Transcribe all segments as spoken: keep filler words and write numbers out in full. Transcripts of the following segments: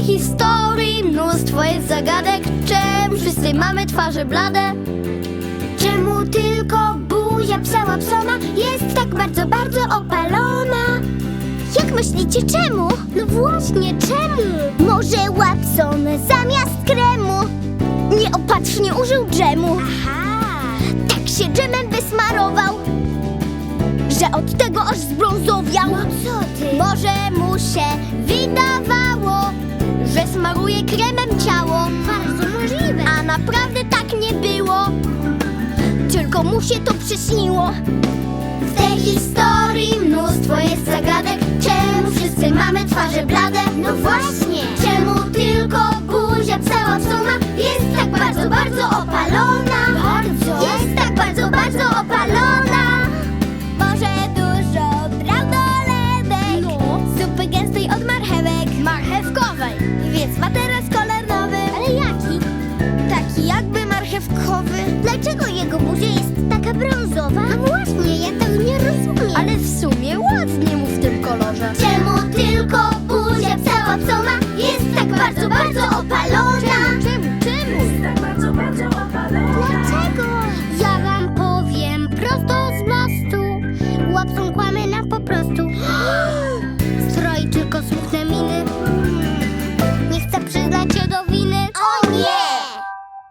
historii mnóstwo jest zagadek. Czemu wszyscy mamy twarze blade? Czemu tylko buzia psa Watsona jest tak bardzo, bardzo opalona? Jak myślicie, czemu? No właśnie, czemu? Może Watson zamiast kremu nieopatrznie użył dżemu. Aha. Tak się dżemem wysmarował, że od tego aż zbrązowiał. No co ty? Może mu się wydawało, że smaruje kremem ciało. Bardzo możliwe. A naprawdę tak nie było, tylko mu się to przyśniło. W tej historii mnóstwo jest zagadek. Czemu wszyscy mamy twarze blade? No właśnie. Czemu tylko buzia psa Watsona jest tak bardzo, bardzo opalona? Bardzo. Jest tak bardzo, bardzo opalona. Może dużo brał do lewek, no. Zupy gęstej od marchewek, marchewkowej, więc ma teraz kolor nowy. Ale jaki? Taki jakby marchewkowy. Dlaczego jego buzia jest taka brązowa? No właśnie, ja tego nie rozumiem. Ale w sumie ładnie mu w tym kolorze. Czemu tylko buzia psa Watsona jest tak bardzo, bardzo opalona? Czemu? Czemu? Jest tak bardzo, bardzo opalona. Dlaczego? Ja wam powiem prosto z mostu. Watson kłamie nam po prostu. Stroi tylko smutne miny. Nie chce przyznać się do winy. O nie!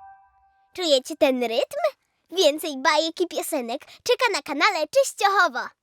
Czujecie ten rytm? Więcej bajek i piosenek czeka na kanale Czyściochowo.